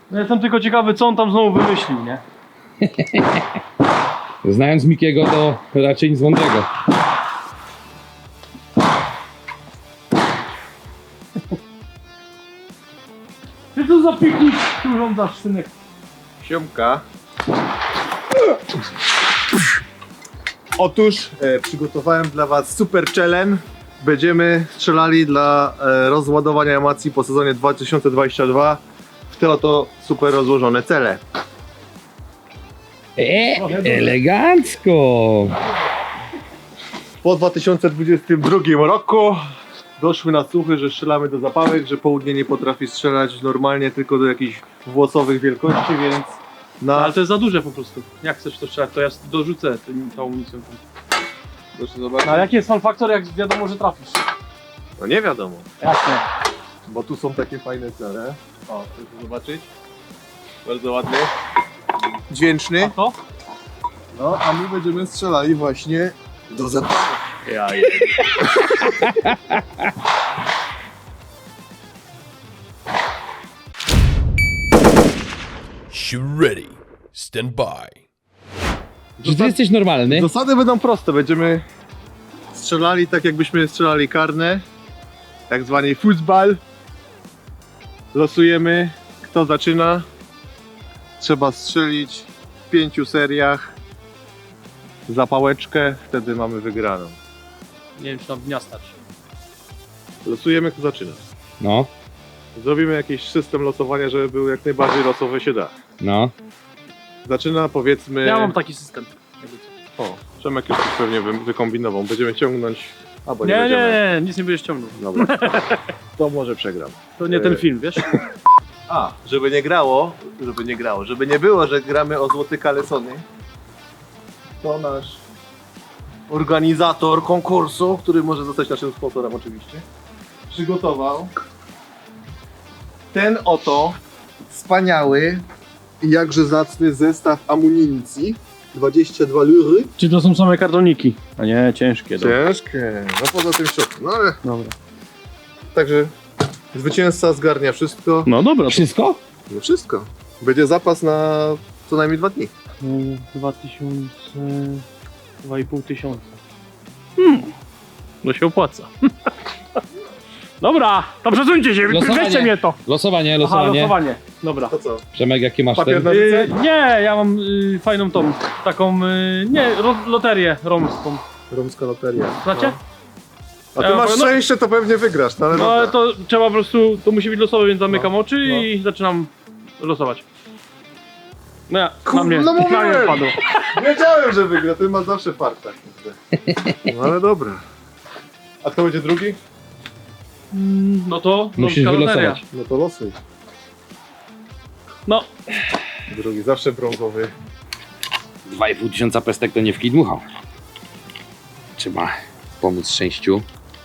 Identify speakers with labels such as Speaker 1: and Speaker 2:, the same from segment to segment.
Speaker 1: No jestem tylko ciekawy, co on tam znowu wymyślił, nie?
Speaker 2: Znając Mikiego, to raczej nic mądrego.
Speaker 1: Ty tu za piknik tu urządzasz, synek.
Speaker 3: Siomka. Otóż przygotowałem dla was super challenge. Będziemy strzelali dla rozładowania emocji po sezonie 2022 w te oto super rozłożone cele.
Speaker 2: Elegancko!
Speaker 3: Po 2022 roku doszły na słuchy, że strzelamy do zapałek, że południe nie potrafi strzelać normalnie, tylko do jakichś włosowych wielkości, więc
Speaker 1: No,
Speaker 3: na...
Speaker 1: ale to jest za duże po prostu. Jak chcesz to strzelać, to ja dorzucę tą amunicją.
Speaker 3: Proszę zobaczyć.
Speaker 1: No, a jaki jest fun factor, jak wiadomo, że trafisz?
Speaker 3: No nie wiadomo,
Speaker 1: Jak nie?
Speaker 3: bo tu są takie fajne cele. O, proszę zobaczyć. Bardzo ładny. Dźwięczny.
Speaker 1: A to?
Speaker 3: No, a my będziemy strzelali właśnie do zapałek.
Speaker 1: Ja
Speaker 4: Shoot ready. Stand by.
Speaker 2: Czy ty jesteś normalny?
Speaker 3: Zasady będą proste. Będziemy strzelali tak, jakbyśmy strzelali karne. Tak zwany fußball. Losujemy, kto zaczyna. Trzeba strzelić w 5 seriach zapałeczkę, wtedy mamy wygraną.
Speaker 1: Nie wiem, czy tam dnia stać.
Speaker 3: Losujemy, kto zaczyna.
Speaker 2: No,
Speaker 3: Zrobimy jakiś system losowania, żeby był jak najbardziej losowy się da.
Speaker 2: no.
Speaker 3: Zaczyna, powiedzmy...
Speaker 1: Ja mam taki system. jakby co.
Speaker 3: O, Przemek już coś pewnie wykombinował. Będziemy ciągnąć... Albo nie,
Speaker 1: Nie,
Speaker 3: będziemy.
Speaker 1: nie, nic nie będziesz ciągnął.
Speaker 3: Dobra. To może przegram.
Speaker 1: To nie ten film, wiesz?
Speaker 3: A, żeby nie było, że gramy o złote kalesony, to nasz organizator konkursu, który może zostać naszym sponsorem oczywiście, przygotował ten oto wspaniały i jakże zacny zestaw amunicji. 22 lury.
Speaker 1: Czy to są same kartoniki? A nie, ciężkie.
Speaker 3: Ciężkie, no poza tym środku, no ale
Speaker 1: Dobra.
Speaker 3: także zwycięzca zgarnia wszystko.
Speaker 1: No dobra.
Speaker 2: Wszystko?
Speaker 3: No wszystko. Będzie zapas na co najmniej 2 dni.
Speaker 1: 2000... 2500. No się opłaca. Dobra, to przesuńcie się,
Speaker 2: Losowanie.
Speaker 1: weźcie mnie to.
Speaker 2: Losowanie,
Speaker 1: Aha,
Speaker 2: losowanie.
Speaker 1: losowanie. Dobra.
Speaker 3: To co?
Speaker 2: Przemek, jakie masz
Speaker 3: Papier
Speaker 2: ten?
Speaker 3: na lice?
Speaker 1: Nie, ja mam fajną tą, taką, nie, loterię romską.
Speaker 3: Romska loteria.
Speaker 1: Znacie?
Speaker 3: A ty
Speaker 1: Ja
Speaker 3: masz
Speaker 1: powiem, no-
Speaker 3: szczęście, to pewnie wygrasz, no ale
Speaker 1: No
Speaker 3: dobra.
Speaker 1: ale to trzeba po prostu, to musi być losowe, więc zamykam
Speaker 3: No,
Speaker 1: oczy
Speaker 3: no.
Speaker 1: i zaczynam losować. No ja,
Speaker 3: Kurde,
Speaker 1: na mnie,
Speaker 3: no
Speaker 1: na mnie
Speaker 3: mówiłem.
Speaker 1: wpadło.
Speaker 3: Wiedziałem, że wygra, ty masz zawsze farta. No ale dobra. A kto będzie drugi?
Speaker 1: No to
Speaker 2: Musisz
Speaker 1: romska loteria.
Speaker 2: wylosować.
Speaker 3: No to losuj.
Speaker 1: No,
Speaker 3: Drugi, zawsze brązowy.
Speaker 2: 2500 pestek to nie w kij dmuchał. Trzeba pomóc szczęściu.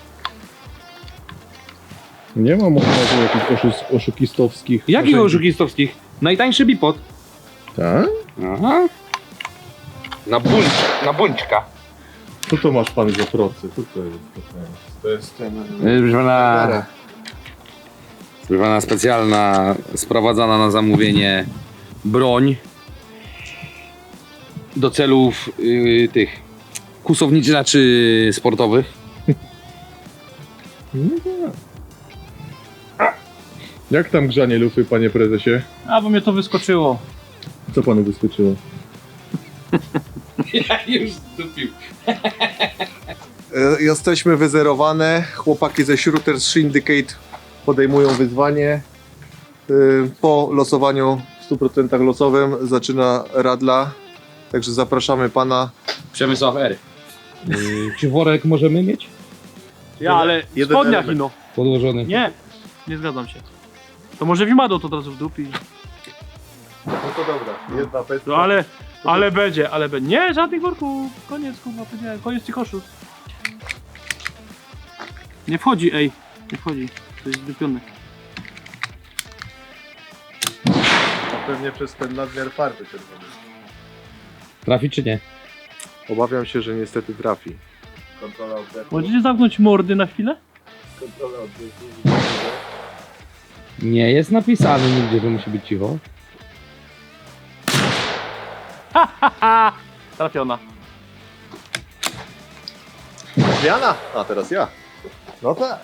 Speaker 3: Nie mam jakichś oszukistowskich.
Speaker 2: Jakich oszukistowskich? Najtańszy bipod.
Speaker 3: Tak?
Speaker 2: Aha. Na buńczka.
Speaker 3: Co to masz pan za procy? Co to jest? To jest ten...
Speaker 2: Proszę pana, specjalna, sprowadzana na zamówienie broń do celów tych kłusowniczych, znaczy sportowych.
Speaker 3: Jak tam grzanie lufy, panie prezesie?
Speaker 1: a bo mnie to wyskoczyło.
Speaker 3: Co panu wyskoczyło?
Speaker 2: Ja już zdupił.
Speaker 3: Jesteśmy wyzerowane. Chłopaki ze Shooters Syndicate podejmują wyzwanie. Po losowaniu w 100% losowym zaczyna radla. Także zapraszamy pana.
Speaker 2: Przemysław R. Czy worek możemy mieć
Speaker 1: Ja, ale
Speaker 3: jeden
Speaker 1: spodniach
Speaker 3: element.
Speaker 1: ino.
Speaker 2: podłożony?
Speaker 1: Nie, nie zgadzam się. To może Wimado to od razu w dupi.
Speaker 3: No to dobra, jedna pestka.
Speaker 1: No ale będzie. Nie, żadnych worków. Koniec, kurwa, powiedziałem. Koniec tych koszów. Nie wchodzi, ej. Nie wchodzi. To jest zdupione.
Speaker 3: Pewnie przez ten nadmiar farby czerwonej.
Speaker 2: Trafi czy nie?
Speaker 3: Obawiam się, że niestety trafi. Kontrola oddechu.
Speaker 1: Możecie zamknąć mordy na chwilę?
Speaker 3: Kontrola oddechu.
Speaker 2: Nie jest napisane nigdzie, że musi być cicho.
Speaker 1: Trafiona.
Speaker 3: Zmiana? A teraz ja. No tak.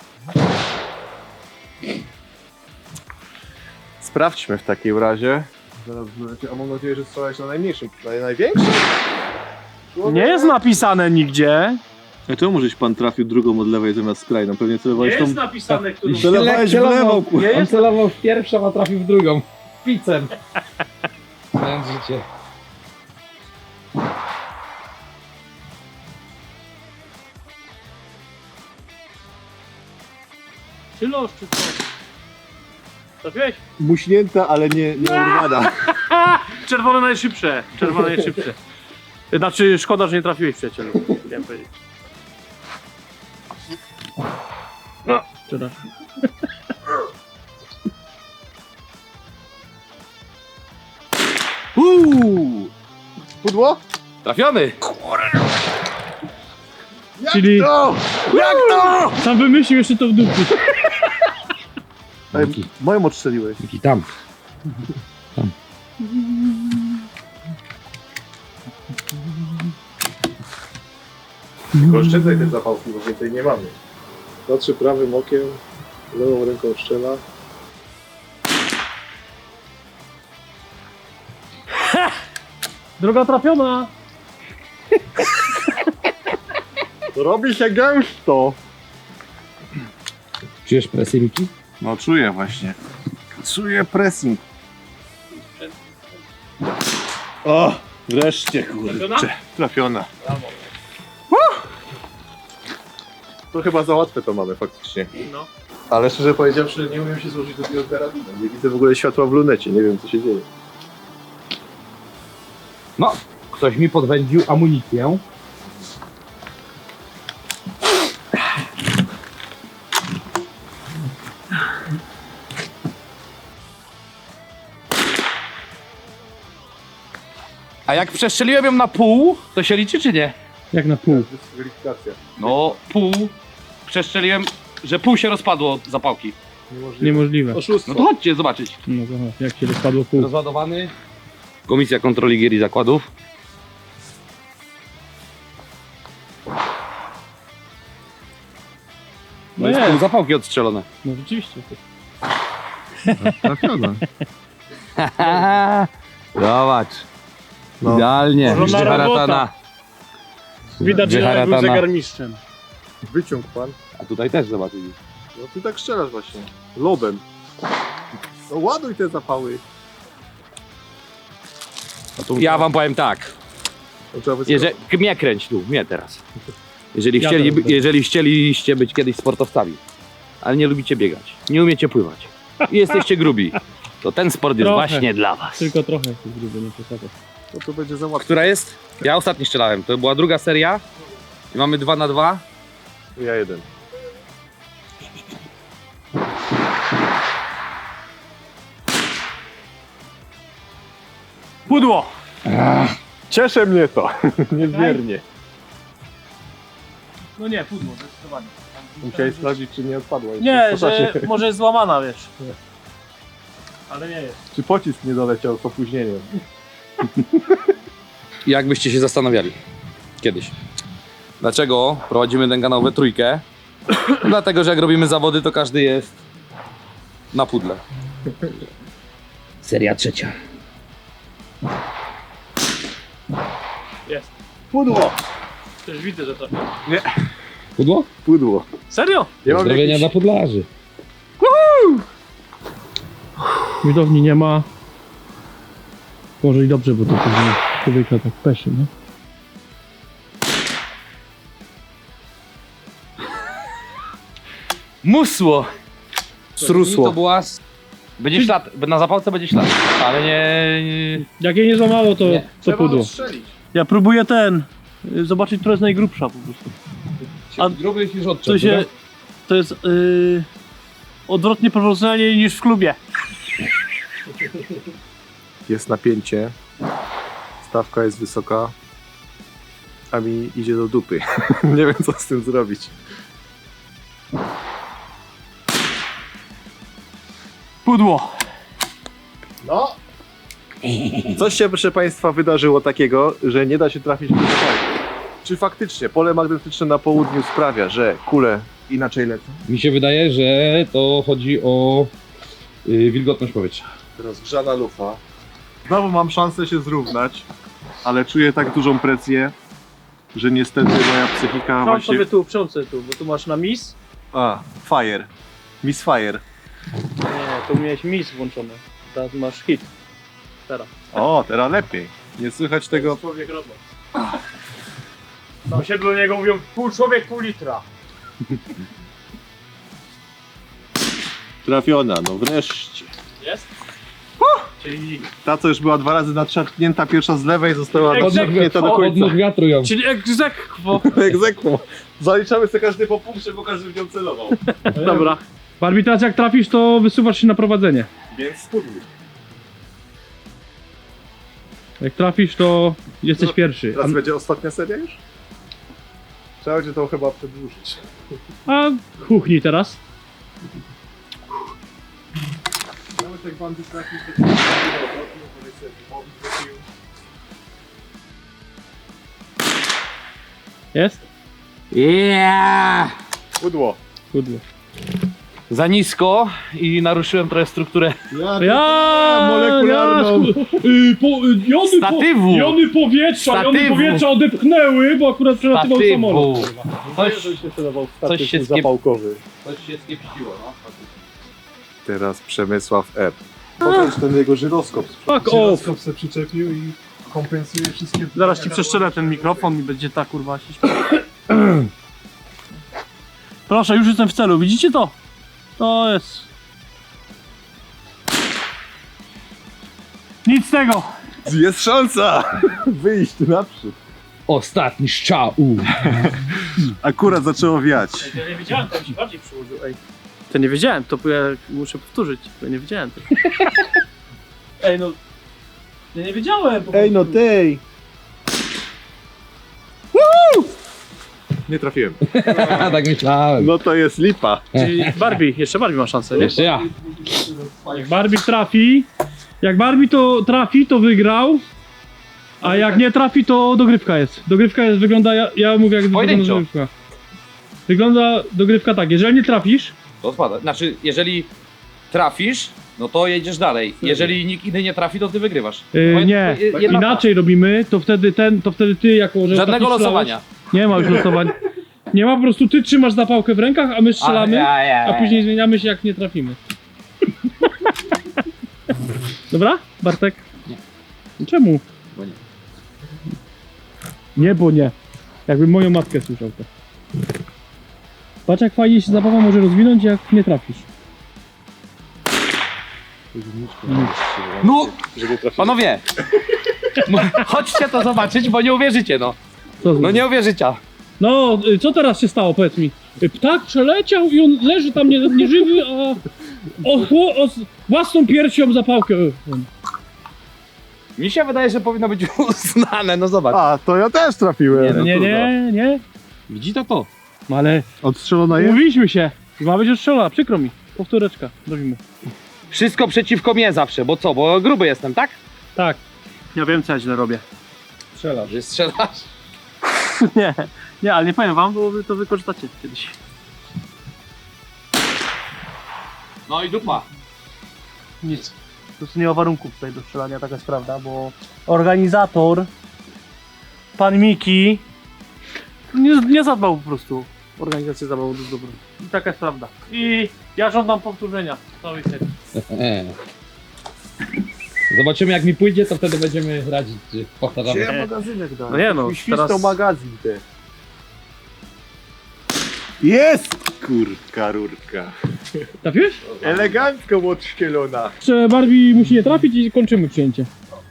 Speaker 3: Sprawdźmy w takim razie. Zaraz, a mam nadzieję, że strzelałeś na najmniejszym, na największym?
Speaker 1: Nie jest napisane nigdzie.
Speaker 3: A czemu żeś pan trafił drugą od lewej zamiast skrajną? Pewnie celowałeś tą...
Speaker 1: napisane, którą...
Speaker 3: Celowałeś w lewo.
Speaker 1: Nie
Speaker 2: On
Speaker 1: jest?
Speaker 2: celował w pierwszą, a trafił w drugą. Picem. Znając życie.
Speaker 1: Czy los, czy co? Trafiłeś?
Speaker 3: Muśnięta, ale nie urwana.
Speaker 1: Czerwone najszybsze. Czerwone najszybsze. Znaczy, szkoda, że nie trafiłeś, przyjacielu. Chciałem powiedzieć. No, przepraszam.
Speaker 3: Pudło?
Speaker 2: Trafiony!
Speaker 1: Czyli
Speaker 3: No! Jak to?
Speaker 1: sam wymyślił jeszcze to w dupie.
Speaker 3: Ej, moją odstrzeliłeś.
Speaker 2: Jaki tam?
Speaker 3: Oszczędzaj te zapałki, bo więcej nie mamy. Patrzy prawym okiem, lewą ręką strzela.
Speaker 1: Droga trafiona.
Speaker 3: Robi się gęsto.
Speaker 2: Czujesz presję, Miki?
Speaker 3: No czuję właśnie. Czuję pressing. O, wreszcie
Speaker 1: Trafiona?
Speaker 3: kurczę. Trafiona. To chyba za łatwe to mamy faktycznie.
Speaker 1: No.
Speaker 3: Ale szczerze powiedziawszy, nie umiem się złożyć do tego karabinu. Nie widzę w ogóle światła w lunecie, nie wiem co się dzieje.
Speaker 2: No, ktoś mi podwędził amunicję. A jak przestrzeliłem ją na pół, to się liczy czy nie?
Speaker 1: Jak na pół.
Speaker 3: Dyskwalifikacja.
Speaker 2: No, pół. Przestrzeliłem, że pół się rozpadło od zapałki.
Speaker 1: Niemożliwe.
Speaker 3: Oszustwo.
Speaker 2: No to chodźcie zobaczyć.
Speaker 1: No to chodź, jak się rozpadło pół.
Speaker 2: Rozładowany. Komisja Kontroli Gier i Zakładów. No jest pół zapałki odstrzelone.
Speaker 1: No rzeczywiście.
Speaker 3: Trafiona.
Speaker 2: Zobacz.
Speaker 3: No.
Speaker 2: Idealnie.
Speaker 1: Porządna
Speaker 2: Wyharatana.
Speaker 1: Widać, że był
Speaker 2: Wyharatana.
Speaker 1: zegarmistrzem.
Speaker 3: Wyciąg pan.
Speaker 2: A tutaj też zobacz.
Speaker 3: No ty tak strzelasz właśnie. Lobem. No ładuj te zapały.
Speaker 2: Ja wam powiem tak.
Speaker 3: No, trzeba wyskoczyć.
Speaker 2: Mnie kręć tu, mnie teraz.
Speaker 1: Ja też będę.
Speaker 2: Jeżeli chcieliście być kiedyś sportowcami, ale nie lubicie biegać, nie umiecie pływać i jesteście grubi, to ten sport jest
Speaker 1: Trochę.
Speaker 2: właśnie dla was.
Speaker 1: Tylko trochę jesteś gruby, nie przesadzę.
Speaker 3: No to będzie za łatwe.
Speaker 2: Która jest? Ja ostatnio strzelałem, to była druga seria i mamy 2 na 2.
Speaker 3: Ja jeden.
Speaker 1: Pudło!
Speaker 3: Cieszy mnie to. Niezmiernie.
Speaker 1: No nie, pudło, zdecydowanie.
Speaker 3: Musiałeś sprawdzić, czy nie odpadła. jeszcze
Speaker 1: Nie,
Speaker 3: w czasie.
Speaker 1: że może jest złamana, wiesz. Ale nie jest.
Speaker 3: Czy pocisk nie doleciał z opóźnieniem?
Speaker 2: Jakbyście się zastanawiali kiedyś, dlaczego prowadzimy ten kanał we trójkę? Dlatego, że jak robimy zawody, to każdy jest na pudle. Seria trzecia.
Speaker 1: Jest.
Speaker 3: Pudło!
Speaker 1: Też widzę, że to.
Speaker 2: Pudło?
Speaker 3: Pudło.
Speaker 1: Serio?
Speaker 3: Ja mam
Speaker 2: Pozdrowienia
Speaker 3: jakiś...
Speaker 2: dla pudlarzy.
Speaker 1: Widowni nie ma. Może i dobrze, bo to później człowieka tak peszy, nie?
Speaker 2: Musło!
Speaker 3: Strusło.
Speaker 2: To była... Będzie ślad, na zapałce będzie ślad, ale nie...
Speaker 1: Jak jej nie złamało, to
Speaker 2: Nie.
Speaker 1: co
Speaker 3: Trzeba
Speaker 1: pudło.
Speaker 3: odstrzelić.
Speaker 1: Ja próbuję zobaczyć, która jest najgrubsza po prostu. A
Speaker 2: Gruby już
Speaker 1: To
Speaker 2: odczep,
Speaker 1: się, to jest odwrotnie proporcjonalnie niż w klubie.
Speaker 3: Jest napięcie. Stawka jest wysoka. A mi idzie do dupy. Nie wiem, co z tym zrobić.
Speaker 1: Pudło.
Speaker 3: No. Coś się, proszę Państwa, wydarzyło takiego, że nie da się trafić w pole. Czy faktycznie pole magnetyczne na południu sprawia, że kule inaczej lecą?
Speaker 2: Mi się wydaje, że to chodzi o wilgotność powietrza.
Speaker 3: Rozgrzana lufa. Znowu mam szansę się zrównać, ale czuję tak dużą presję, że niestety moja psychika
Speaker 1: Prząt
Speaker 3: właśnie...
Speaker 1: sobie tu, prząt sobie tu, bo tu masz na mis.
Speaker 3: A, fire. Miss Fire.
Speaker 1: Nie, tu miałeś mis włączony. Teraz masz hit. Teraz.
Speaker 3: O, teraz lepiej. Nie słychać tego...
Speaker 1: Człowiek robot. Tam się do niego mówią pół człowiek, pół litra.
Speaker 3: Trafiona, no wreszcie.
Speaker 1: Jest? Czyli...
Speaker 3: Ta, co już była 2 razy natrzepnięta, pierwsza z lewej została
Speaker 1: Egzekwo.
Speaker 3: natrzepnięta do końca.
Speaker 2: Odnóg wiatru ją.
Speaker 1: Czyli egzekwo.
Speaker 3: Egzekwo. Zaliczamy sobie każdy po punkcie, bo każdy w nią celował.
Speaker 1: Dobra. Barbie, teraz jak trafisz, to wysuwasz się na prowadzenie.
Speaker 3: Więc spudluj.
Speaker 1: Jak trafisz, to jesteś pierwszy.
Speaker 3: Teraz będzie ostatnia seria już? Trzeba będzie to chyba przedłużyć.
Speaker 1: A kuchni teraz.
Speaker 3: Nawet jak bandy trafisz,
Speaker 1: Jest?
Speaker 2: Yeah!
Speaker 3: Pudło.
Speaker 1: Pudło.
Speaker 2: Za nisko i naruszyłem trochę strukturę
Speaker 3: molekularną.
Speaker 2: statywu.
Speaker 1: Jony powietrza odepchnęły, bo akurat przelatywał samolot.
Speaker 2: Coś się
Speaker 3: zapałkowy.
Speaker 2: Coś się skiepściło, no.
Speaker 3: Teraz Przemysław R. Pokaż ten jego żyroskop.
Speaker 1: Fuck off.
Speaker 3: Żyroskop se przyczepił i kompensuje wszystkie...
Speaker 1: Zaraz ci przeszczelę ten mikrofon i będzie ta kurwa się śpiewać. Proszę, już jestem w celu, widzicie to? To jest... Nic z tego!
Speaker 3: Jest szansa wyjść naprzód.
Speaker 2: Ostatni strzał.
Speaker 3: Akurat zaczęło wiać.
Speaker 1: Ja nie wiedziałem, tam się bardziej przyłożył, ej. To nie wiedziałem, to ja muszę powtórzyć, bo ja nie wiedziałem tego. Ej no... Ja nie wiedziałem po
Speaker 3: Ej no
Speaker 1: prostu.
Speaker 3: tej! Nie trafiłem.
Speaker 2: Tak myślałem.
Speaker 3: No to jest lipa.
Speaker 1: Czyli Barbie, jeszcze Barbie ma szansę, nie?
Speaker 2: Jeszcze ja.
Speaker 1: Jak Barbie trafi, jak Barbie to trafi, to wygrał. A jak nie trafi, to dogrywka jest. Dogrywka jest, wygląda, ja mówię jak wygląda
Speaker 2: Pojedynczo.
Speaker 1: dogrywka. Wygląda dogrywka tak, jeżeli nie trafisz,
Speaker 2: To odpada. Znaczy, jeżeli trafisz, no to jedziesz dalej. Jeżeli nikt inny nie trafi, to ty wygrywasz.
Speaker 1: nie,
Speaker 2: Jedna
Speaker 1: inaczej robimy, to wtedy ty jako, że
Speaker 2: Żadnego
Speaker 1: taki
Speaker 2: losowania.
Speaker 1: Nie ma już losowań. Nie ma, po prostu ty trzymasz zapałkę w rękach, a my strzelamy, a później zmieniamy się jak nie trafimy. Dobra, Bartek? Nie. Czemu?
Speaker 2: Bo nie.
Speaker 1: Nie, bo nie. Jakbym moją matkę słyszał to. Patrz jak fajnie się zabawa może rozwinąć, jak nie trafisz.
Speaker 2: No, panowie! Chodźcie to zobaczyć, bo nie uwierzycie, no. No nie uwierzycie.
Speaker 1: No, co teraz się stało, powiedz mi? Ptak przeleciał i on leży tam nieżywy, a własną piersią zapałkę.
Speaker 2: Mi się wydaje, że powinno być uznane, no zobacz.
Speaker 3: A, to ja też trafiłem.
Speaker 1: Nie.
Speaker 2: Widzi to?
Speaker 1: No ale
Speaker 3: Odstrzelona jest?
Speaker 1: umówiliśmy się. Ma być odstrzelona, przykro mi. Powtóreczka, robimy.
Speaker 2: Wszystko przeciwko mnie zawsze, bo co? Bo gruby jestem, tak?
Speaker 1: Tak. Ja wiem co ja źle robię.
Speaker 3: Strzelasz.
Speaker 2: Że strzelasz.
Speaker 1: Nie, ale nie powiem wam, bo wy to wykorzystacie kiedyś.
Speaker 2: No i dupa.
Speaker 1: Nic. Po prostu nie ma warunków tutaj do strzelania, taka jest prawda, bo organizator, pan Miki, nie zadbał po prostu o organizację zabawy do dobro. I taka jest prawda. I ja żądam powtórzenia całej serii.
Speaker 2: Zobaczymy jak mi pójdzie, to wtedy będziemy radzić, czy powtarzamy.
Speaker 3: Gdzie magazynek dał?
Speaker 1: No nie no,
Speaker 3: Świstał
Speaker 1: teraz-
Speaker 3: magazyn te. Jest! Kurka, rurka.
Speaker 1: Trafiłeś?
Speaker 3: Elegancko odszkielona.
Speaker 1: Jeszcze Barbie musi nie trafić i kończymy przyjęcie.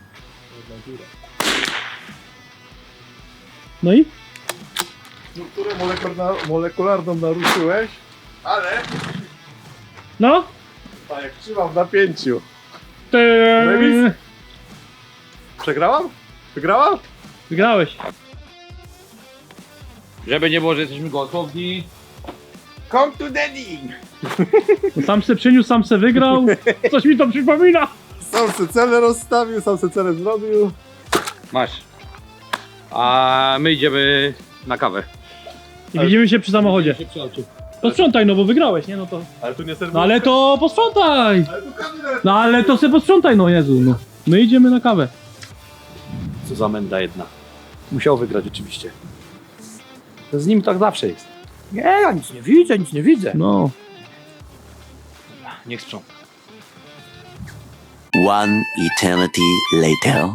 Speaker 1: No i?
Speaker 3: Strukturę molekularną naruszyłeś, ale
Speaker 1: No?
Speaker 3: tak jak trzymam w napięciu.
Speaker 1: Remis?
Speaker 3: Remis? Przegrałam? Wygrałam?
Speaker 1: Wygrałeś.
Speaker 2: Żeby nie było, że jesteśmy gołosłowni.
Speaker 3: Come to daddy!
Speaker 1: Sam se przyniósł, sam se wygrał. Coś mi to przypomina.
Speaker 3: Sam se cele rozstawił, sam se cele zrobił.
Speaker 2: Masz. A my idziemy na kawę.
Speaker 1: I widzimy się przy samochodzie. Posprzątaj, no bo wygrałeś, nie? No to.
Speaker 3: Ale tu nie serwuję.
Speaker 1: No ale to posprzątaj!
Speaker 3: Ale tu kamerę.
Speaker 1: No ale to se posprzątaj, no Jezu, no. My idziemy na kawę.
Speaker 2: Co za menda jedna. Musiał wygrać oczywiście. To z nim tak zawsze jest. Nie, ja nic nie widzę, nic nie widzę.
Speaker 1: No.
Speaker 2: Niech sprząta.
Speaker 5: One eternity later.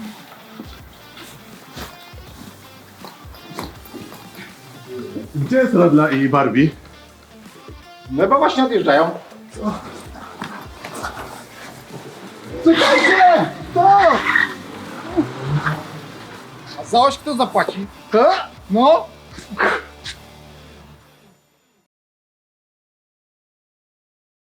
Speaker 3: Gdzie jest Radla i Barbie?
Speaker 6: No bo właśnie odjeżdżają. A za oś kto zapłaci? No.